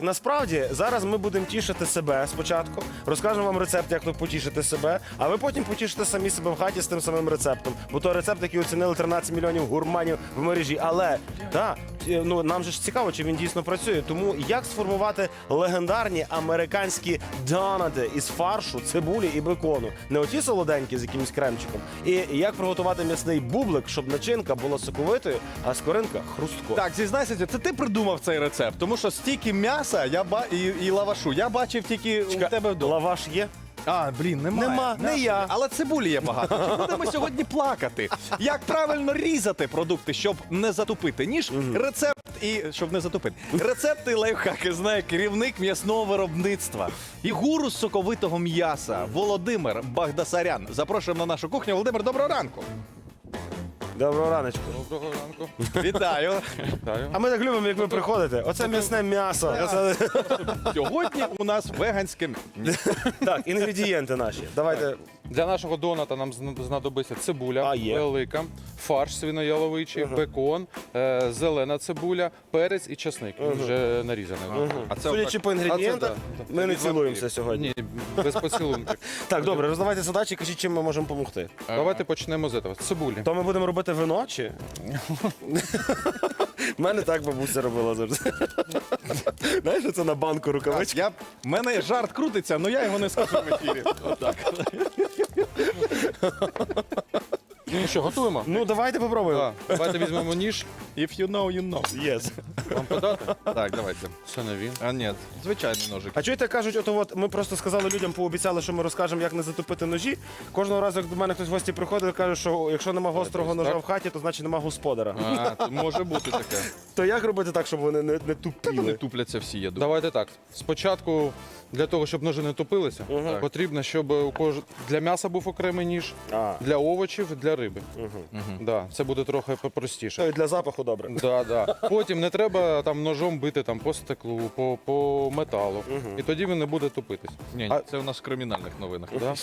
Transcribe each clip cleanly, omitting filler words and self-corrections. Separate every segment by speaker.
Speaker 1: Насправді, зараз ми будемо тішити себе спочатку, розкажемо вам рецепт, як тут потішити себе, а ви потім потішите самі себе в хаті з тим самим рецептом. Бо то рецепт, який оцінили 13 мільйонів гурманів в мережі. Але, так, ну, нам же ж цікаво, чи він дійсно працює. Тому як сформувати легендарні американські донати із фаршу, цибулі і бекону? Не оті солоденькі з якимось кремчиком. І як приготувати м'ясний бублик, щоб начинка була соковитою, а скоринка хрусткою.
Speaker 2: Так, зізнайся, це ти придумав цей рецепт, тому що стільки м'яса і лавашу я бачив тільки у тебе вдома.
Speaker 1: Лаваш є?
Speaker 2: А, блін, немає.
Speaker 1: Нема, не я.
Speaker 2: Але цибулі є багато. Чи будемо сьогодні плакати? Як правильно різати продукти, щоб не затупити ніж? Рецепт і щоб не затупити. Рецепти і лайфхаки знає керівник м'ясного виробництва і гуру з соковитого м'яса Володимир Багдасарян. Запрошуємо на нашу кухню. Володимир, доброго ранку.
Speaker 1: Доброго раночку.
Speaker 3: Доброго ранку.
Speaker 2: Вітаю.
Speaker 3: Вітаю.
Speaker 1: А ми так любимо, як ви приходите. Оце м'ясне м'ясо.
Speaker 2: Сьогодні у нас веганське.
Speaker 1: Так, інгредієнти наші. Давайте.
Speaker 3: Для нашого доната нам знадобиться цибуля
Speaker 1: А, є.
Speaker 3: велика, фарш свинояловичий, бекон, зелена цибуля, перець і часник. Він вже нарізаний.
Speaker 2: А це
Speaker 1: Судячи по інгредієнтах, ми не цілуємося сьогодні.
Speaker 3: Ні, без поцілунків.
Speaker 1: Так, добре, роздавайте задачі, кажіть, чим ми можемо допомогти.
Speaker 3: Давайте почнемо з цього. З цибулі.
Speaker 1: То ми будемо робити вино чи? У мене так бабуся робила завжди. Знаєш, це на банку рукавички.
Speaker 2: В мене жарт крутиться, але я його не скажу в ефірі. Отак.
Speaker 3: Ну що, готуємо?
Speaker 1: Ну, давайте попробуємо.
Speaker 3: Так, давайте візьмемо ніж.
Speaker 2: If you know, you know.
Speaker 1: Yes.
Speaker 3: Вам подати?
Speaker 2: Так, давайте.
Speaker 3: Це не він.
Speaker 2: А ні, звичайний ножик.
Speaker 1: А чуєте, кажуть, от ми просто сказали людям, пообіцяли, що ми розкажемо, як не затопити ножі. Кожного разу, як до мене хтось в гості приходить, каже, що якщо нема гострого ножа в хаті, то значить нема господара.
Speaker 2: А, то може бути таке.
Speaker 1: То як робити так, щоб вони не
Speaker 2: Вони
Speaker 1: тупіли?
Speaker 2: тупляться всі, я думаю.
Speaker 3: Давайте так. Спочатку, для того, щоб ножи не тупилися, потрібно, щоб для м'яса був окремий ніж,
Speaker 1: А.
Speaker 3: для овочів, для риби. Да, це буде трохи простіше.
Speaker 1: То і для запаху добре.
Speaker 3: Да, да. Потім не треба там ножом бити там, по стеклу, по металу. І тоді він не буде тупитись.
Speaker 2: Ні,
Speaker 3: А-
Speaker 2: це у нас в кримінальних новинах.
Speaker 3: Да?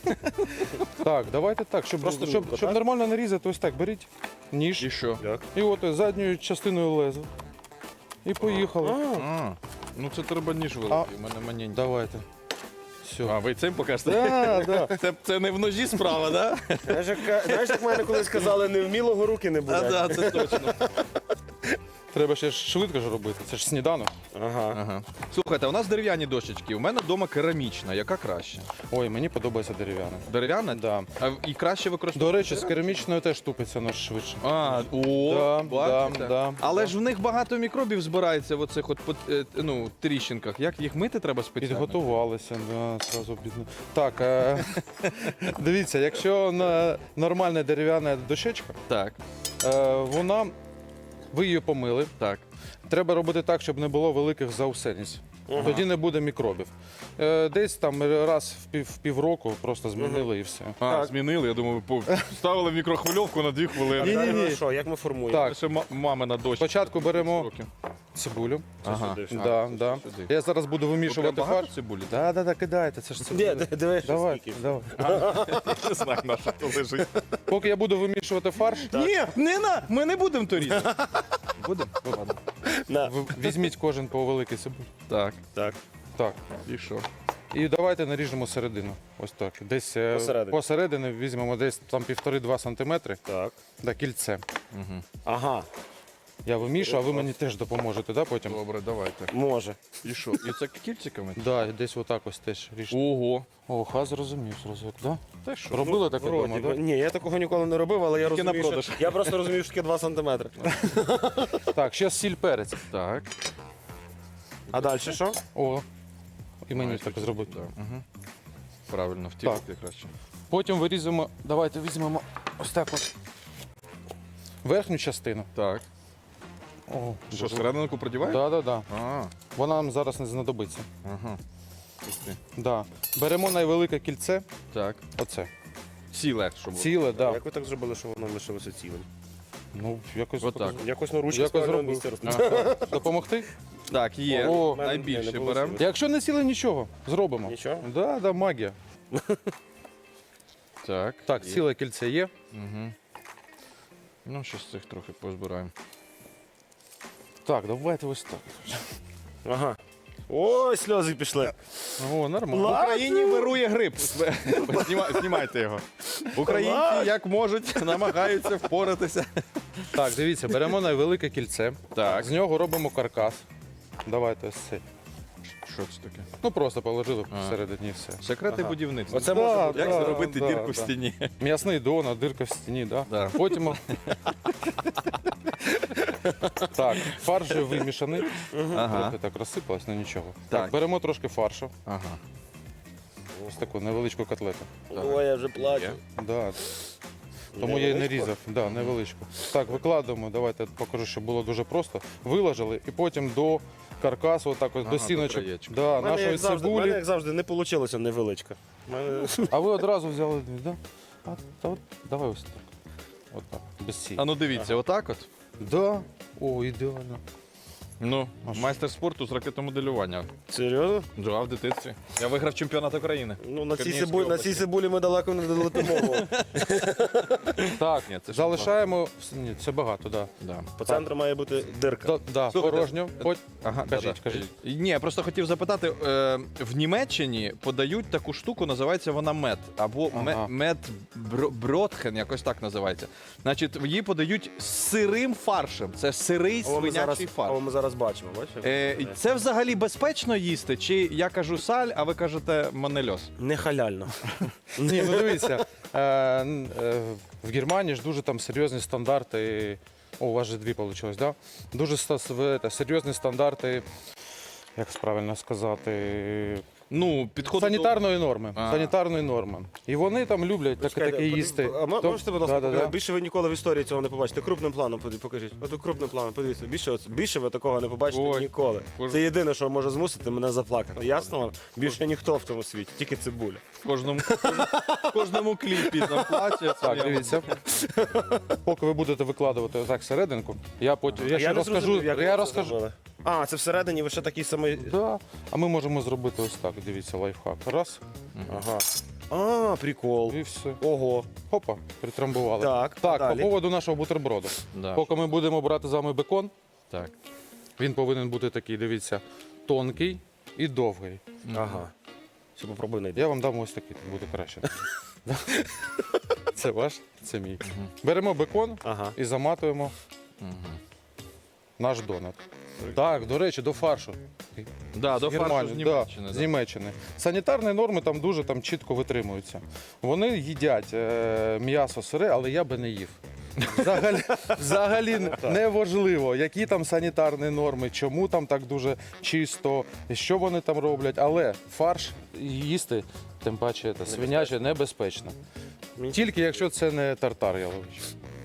Speaker 3: Так, давайте так,
Speaker 1: Просто
Speaker 3: щоб
Speaker 1: рубка, так?
Speaker 3: нормально нарізати, ось так, беріть ніж.
Speaker 2: І що?
Speaker 3: І от задньою частиною леза. І поїхали.
Speaker 2: А, ну це треба ніж великий, у мене маленький.
Speaker 3: Давайте. Все.
Speaker 2: А ви цим покажете?
Speaker 3: Да, да.
Speaker 2: Це не в ножі справа, так?
Speaker 1: Знаєш, як мене колись казали, невмілого руки не
Speaker 2: Да?
Speaker 1: буде.
Speaker 2: Так, це точно.
Speaker 3: Треба ще ж швидко ж робити. Це ж сніданок.
Speaker 1: Ага.
Speaker 2: Ага. Слухайте, у нас дерев'яні дощечки, у мене вдома керамічна, яка краще?
Speaker 3: Ой, мені подобається дерев'яна.
Speaker 2: Дерев'яна?
Speaker 3: Да.
Speaker 2: А і краще використовувати?
Speaker 3: До речі, з керамічною теж тупиться нож швидше.
Speaker 2: А,
Speaker 3: Да,
Speaker 2: бачите?
Speaker 3: да.
Speaker 2: Але ж в них багато мікробів збирається в оцих от тріщинках. Як їх мити треба спеціально?
Speaker 3: Підготувалися, да, зразу бідно. Так, дивіться, якщо нормальна дерев'яна дощечка,
Speaker 2: Так,
Speaker 3: вона, ви її помили.
Speaker 2: так.
Speaker 3: Треба робити так, щоб не було великих заусениць. Тоді не буде мікробів. Десь там раз в півроку просто змінили і все.
Speaker 2: А, змінили, я думаю, ставили в мікрохвильовку на 2 хвилини.
Speaker 3: Ні-ні-ні.
Speaker 1: Далі що, як ми формуємо?
Speaker 3: Так,
Speaker 2: Це ще мамина дощ.
Speaker 3: спочатку беремо цибулю.
Speaker 2: Ага.
Speaker 1: сюди.
Speaker 3: Да, да.
Speaker 2: сюди.
Speaker 3: Я зараз буду вимішувати
Speaker 2: Багато
Speaker 3: фарш.
Speaker 2: цибулі?
Speaker 3: Да, кидайте, це ж
Speaker 1: Ні,
Speaker 3: цибуля.
Speaker 1: дивись,
Speaker 3: Давай,
Speaker 1: скільки.
Speaker 3: давай.
Speaker 2: Не знаю, на що то лежить.
Speaker 3: Поки я буду вимішувати фарш,
Speaker 2: Ні, ми не будемо то різати.
Speaker 3: будемо? Ладно.
Speaker 1: На.
Speaker 3: Візьміть кожен по великій цибулі.
Speaker 2: Так,
Speaker 1: Так.
Speaker 3: Так.
Speaker 2: і що?
Speaker 3: І давайте наріжемо середину. Ось так. Десь
Speaker 1: Посередині.
Speaker 3: посередині візьмемо десь там 1,5-2 сантиметри.
Speaker 1: Так.
Speaker 3: Да, кільце.
Speaker 1: Ага,
Speaker 3: Я вимішу, а ви мені теж допоможете, да, потім?
Speaker 2: Добре, давайте.
Speaker 1: може.
Speaker 2: І що? І це кільциками?
Speaker 3: Да, десь отак ось теж ріжте.
Speaker 2: Ого.
Speaker 3: О, зрозумів, да?
Speaker 2: Та що?
Speaker 3: Робили таке
Speaker 1: Вроді
Speaker 3: вдома,
Speaker 1: би.
Speaker 3: да?
Speaker 1: Ні, я такого ніколи не робив, але я
Speaker 2: Тільки на
Speaker 1: розумію,
Speaker 2: продаж.
Speaker 1: що... Я просто розумію, що таке 2 сантиметри.
Speaker 3: Так, ще сіль перець.
Speaker 2: Так.
Speaker 1: А далі що?
Speaker 3: О, і мені так зробити.
Speaker 2: Да. Угу. Правильно, втілити краще.
Speaker 3: Потім вирізаємо, давайте візьмемо ось так от верхню частину.
Speaker 2: Так.
Speaker 3: О,
Speaker 2: Що, серединку продіваємо?
Speaker 3: да, да, да.
Speaker 2: А,
Speaker 3: Вона нам зараз не знадобиться.
Speaker 2: ага. Ух ти.
Speaker 3: Да. Беремо найвелике кільце,
Speaker 2: Так.
Speaker 3: оце.
Speaker 2: Ціле, щоб було.
Speaker 3: Ціле, да.
Speaker 1: Як ви так зробили, що воно лишилося цілим?
Speaker 3: Ну, якось
Speaker 2: Отак.
Speaker 3: покажу.
Speaker 1: Якось на ручці
Speaker 3: Якось
Speaker 1: правильно
Speaker 3: зробив.
Speaker 1: місце розпочали.
Speaker 3: Ага. Допомогти?
Speaker 2: Так, є.
Speaker 3: О,
Speaker 2: Найбільше
Speaker 1: не
Speaker 2: беремо.
Speaker 1: було
Speaker 3: Якщо не ціле, нічого, зробимо.
Speaker 1: Нічого?
Speaker 3: Да, да, магія.
Speaker 2: Так.
Speaker 3: Так,
Speaker 2: є.
Speaker 3: ціле кільце є.
Speaker 2: Угу. Ну, ще з цих трохи позбираємо.
Speaker 3: Так, давайте ось так.
Speaker 1: Ага. Ой, сльози пішли.
Speaker 3: О, нормально.
Speaker 2: В Україні вирує грип. Знімайте його. Українці, як можуть, намагаються впоратися.
Speaker 3: Так, дивіться, беремо найвелике кільце.
Speaker 2: Так.
Speaker 3: З нього робимо каркас. Давайте ось цей.
Speaker 2: Що це таке?
Speaker 3: Ну просто положили всередині і все.
Speaker 2: Секрети будівництва.
Speaker 1: Оце
Speaker 3: Да,
Speaker 1: може бути.
Speaker 2: Як
Speaker 3: да,
Speaker 2: зробити
Speaker 3: да,
Speaker 2: дірку
Speaker 3: да.
Speaker 2: в стіні?
Speaker 3: М'ясний донат, дирка в стіні, да?
Speaker 2: Да.
Speaker 3: Потім. Так, фарш вже вимішаний.
Speaker 2: Ага.
Speaker 3: Трохи так розсипалось, ну нічого.
Speaker 2: Так.
Speaker 3: Так, беремо трошки фаршу.
Speaker 2: Ага.
Speaker 3: Ось таку невеличку котлету.
Speaker 1: Ой, я вже плачу.
Speaker 3: Да. Тому я і не
Speaker 1: Невеличку?
Speaker 3: різав. Да, невеличку. Так, викладаємо, давайте я покажу, щоб було дуже просто. Виложили і потім до каркасу, отак ось,
Speaker 2: Ага,
Speaker 3: до
Speaker 2: до
Speaker 3: сіночок.
Speaker 2: краєчка.
Speaker 3: Да,
Speaker 1: У мене,
Speaker 3: нашої
Speaker 1: як завжди, в мене,
Speaker 3: цибулі.
Speaker 1: як завжди, не вийшло невеличка. У мене-
Speaker 3: А ви одразу взяли, да? Та от, давай ось так. От так, без сіль.
Speaker 2: А ну дивіться, отак от.
Speaker 3: Да. О, ідеально.
Speaker 2: Ну, майстер спорту з ракетомоделювання.
Speaker 1: Серйозно?
Speaker 2: Да, в дитинстві. Я виграв чемпіонат України.
Speaker 1: Ну, на цій
Speaker 2: Чернігівській
Speaker 1: цибулі, на
Speaker 2: області.
Speaker 1: цій цибулі ми далеко не долетимо.
Speaker 3: Так,
Speaker 2: Ні, це ж
Speaker 3: залишаємо. Ні, це багато, так.
Speaker 2: Да.
Speaker 1: По центру має бути дирка.
Speaker 3: Да,
Speaker 2: Слухайте,
Speaker 3: порожньо.
Speaker 2: Ага,
Speaker 3: Кажіть, кажіть.
Speaker 2: Ні, я просто хотів запитати, в Німеччині подають таку штуку, називається вона мед, або
Speaker 3: Ага.
Speaker 2: бродхен, якось так називається. Значить, її подають з сирим фаршем. Це сирий
Speaker 1: О, ми зараз,
Speaker 2: свинячий фарш.
Speaker 1: о, ми зараз бачимо, бачиш?
Speaker 2: Це взагалі безпечно їсти? Чи я кажу саль, а ви кажете манельос?
Speaker 1: Не халяльно.
Speaker 3: Ні, ну дивіться, в Германії ж дуже там серйозні стандарти. О, у вас же дві вийшло, да? Дуже серйозні стандарти, як правильно сказати,
Speaker 2: Ну, підходить
Speaker 3: санітарної норми.
Speaker 2: А.
Speaker 3: Санітарної норми. І вони там люблять таке їсти.
Speaker 1: А можете, будь ласка,
Speaker 3: Да-да-да.
Speaker 1: показати? Більше ви ніколи в історії цього не побачите. Крупним планом покажіть. Ото крупним планом, подивіться. Більше ви такого не побачите
Speaker 2: Ой.
Speaker 1: ніколи.
Speaker 2: Боже.
Speaker 1: Це єдине, що може змусити мене заплакати. Ясно вам? Більше ніхто в цьому світі, тільки цибуля.
Speaker 2: в кожному кліпі там плаче.
Speaker 3: Так, дивіться. Поки ви будете викладувати отак серединку, я потім я ще
Speaker 1: не
Speaker 3: розкажу.
Speaker 1: зрозумів, як ви
Speaker 3: Я
Speaker 1: це
Speaker 3: розкажу.
Speaker 1: зробили. А, це всередині ви ще такий самий.
Speaker 3: Да. А ми можемо зробити ось так. Дивіться, лайфхак. Раз.
Speaker 1: Ага. А, прикол.
Speaker 3: І все.
Speaker 1: Ого.
Speaker 3: Хопа, притрамбували.
Speaker 1: Так,
Speaker 3: Так,
Speaker 1: далі.
Speaker 3: по поводу нашого бутерброду.
Speaker 2: Да.
Speaker 3: Поки ми будемо брати з вами бекон,
Speaker 2: Так.
Speaker 3: він повинен бути такий, дивіться, тонкий і довгий.
Speaker 1: Ага. Ще попробуй знайти.
Speaker 3: Я вам дам ось такий, буде краще. Це ваш, це мій. Беремо бекон
Speaker 1: Ага.
Speaker 3: і заматуємо наш донат. Так, до речі, до фаршу.
Speaker 2: Да, до
Speaker 3: З
Speaker 2: фаршу з
Speaker 3: Германії,
Speaker 2: Німеччини.
Speaker 3: з Німеччини. Санітарні норми там дуже чітко витримуються. Вони їдять м'ясо сире, але я би не їв. Взагалі не важливо, які там санітарні норми, чому там так дуже чисто, що вони там роблять. Але фарш їсти, тим паче свиняче, небезпечно. Тільки якщо це не тартар яловичий.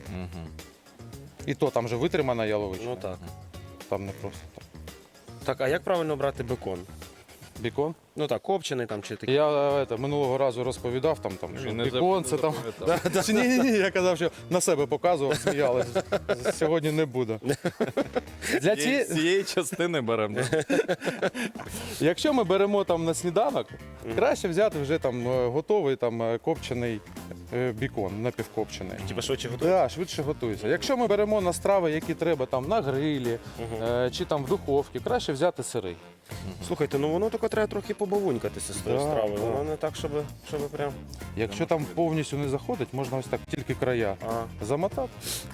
Speaker 3: І то там же витримана яловичина.
Speaker 1: Ну так.
Speaker 3: Там не просто так.
Speaker 1: Так, а як правильно брати бекон?
Speaker 3: Бікон?
Speaker 1: Ну так, копчений там чи такий.
Speaker 3: Я минулого разу розповідав, що
Speaker 2: Він не
Speaker 3: бікон, це там.
Speaker 2: запам'ятав.
Speaker 3: Ні, я казав, що на себе показував, сміялися. Сьогодні не буду. Для
Speaker 2: З цієї частини беремо.
Speaker 3: Якщо ми беремо там на сніданок, краще взяти вже там готовий там копчений бікон, напівкопчений.
Speaker 1: Типа швидше готові?
Speaker 3: Да, швидше готується. Якщо ми беремо на страви, які треба там на грилі чи там в духовці, краще взяти сирий.
Speaker 1: Слухайте, ну воно тільки треба трохи побавунькатися з тою
Speaker 3: Да,
Speaker 1: стравою.
Speaker 3: да.
Speaker 1: Воно не так, щоб прям.
Speaker 3: Якщо там повністю не заходить, можна ось так тільки края
Speaker 1: А,
Speaker 3: замотати.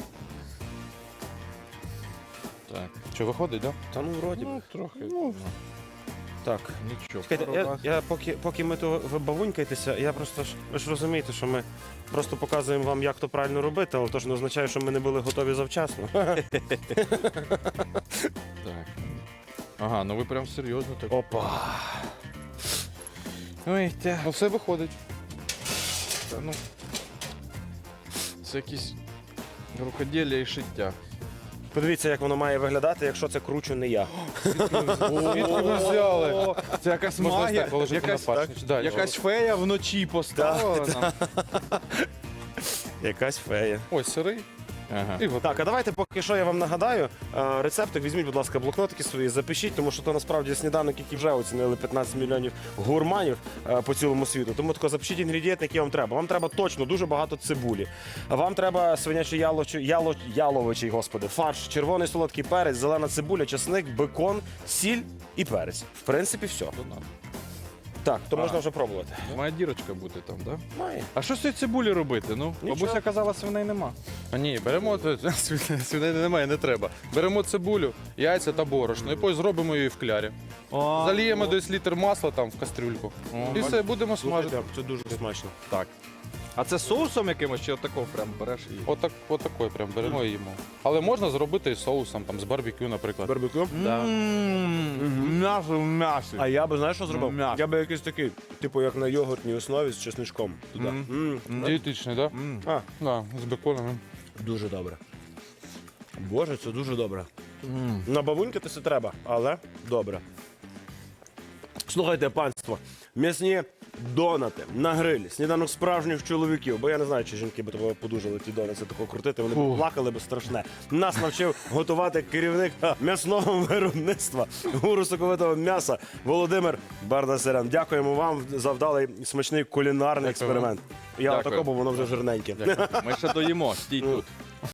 Speaker 2: Так.
Speaker 3: Що виходить, так?
Speaker 1: та ну вроді.
Speaker 2: Ну, трохи.
Speaker 1: Так.
Speaker 2: Нічого.
Speaker 1: Чекайте, я поки ми то ви бавунькаєтеся, я просто ж ви ж розумієте, що ми просто показуємо вам, як то правильно робити, але то ж не означає, що ми не були готові завчасно.
Speaker 2: Так. Ага, ну ви прям серйозно так.
Speaker 1: Опа.
Speaker 2: Ой,
Speaker 3: Ну все виходить.
Speaker 2: ну. Це якісь рукоділля і шиття.
Speaker 1: Подивіться, як воно має виглядати, якщо це кручу не я.
Speaker 3: Звідки ви взяли?
Speaker 2: Це якась
Speaker 3: Можна ось
Speaker 2: магія,
Speaker 3: так положити
Speaker 2: якась,
Speaker 3: на пачку. Да,
Speaker 2: якась фея вночі поставила нам.
Speaker 1: Якась фея.
Speaker 3: Ось сирий.
Speaker 2: Ага.
Speaker 3: І готовий.
Speaker 1: Так, а давайте поки що я вам нагадаю. Рецептик візьміть, будь ласка, блокнотики свої, запишіть, тому що то насправді сніданок, який вже оцінили 15 мільйонів гурманів по цілому світу. Тому тако запишіть інгредієнти, які вам треба. Вам треба точно дуже багато цибулі. Вам треба свинячий яловичий, господи, фарш, червоний солодкий перець, зелена цибуля, чесник, бекон, сіль і перець. В принципі, все. Так, то можна вже пробувати.
Speaker 2: Має дірочка бути там, так? Да?
Speaker 1: Має.
Speaker 2: А що з цією цибулі робити? Ну,
Speaker 1: Нічого.
Speaker 2: бабуся казала, свиней нема.
Speaker 3: А ні, беремо свинини немає, не треба. Беремо цибулю, яйця та борошно, і потім зробимо її в клярі. Заліємо десь літр масла там в кастрюльку. І все, будемо смажити.
Speaker 1: Слухайте, це дуже смачно.
Speaker 2: Так. А це соусом якимось чи отакого прям береш і.
Speaker 3: Отакої прям беремо і їмо. Але можна зробити і соусом, там, з барбекю, наприклад.
Speaker 1: Барбекю?
Speaker 2: М'ясо в м'ясі.
Speaker 1: А я би, знаєш, що зробив?
Speaker 2: М'ясо.
Speaker 1: Я би якийсь такий, типу, як на йогуртній основі з чесничком туди.
Speaker 3: Дієтичний, так?
Speaker 1: А,
Speaker 3: Да, з беконом.
Speaker 1: дуже добре. Боже, це дуже добре. На бавуньки це треба, але добре. Слухайте, панство, м'ясні донати на грилі, сніданок справжніх чоловіків, бо я не знаю, чи жінки б того подужали ті донати тако крутити, вони б плакали б страшне. Нас навчив готувати керівник м'ясного виробництва гуру соковитого м'яса Володимир Бардасарян. Дякуємо вам за вдалий смачний кулінарний експеримент. Я
Speaker 2: Дякую.
Speaker 1: отако, бо воно вже жирненьке.
Speaker 2: Ми ще доїмо, стій тут.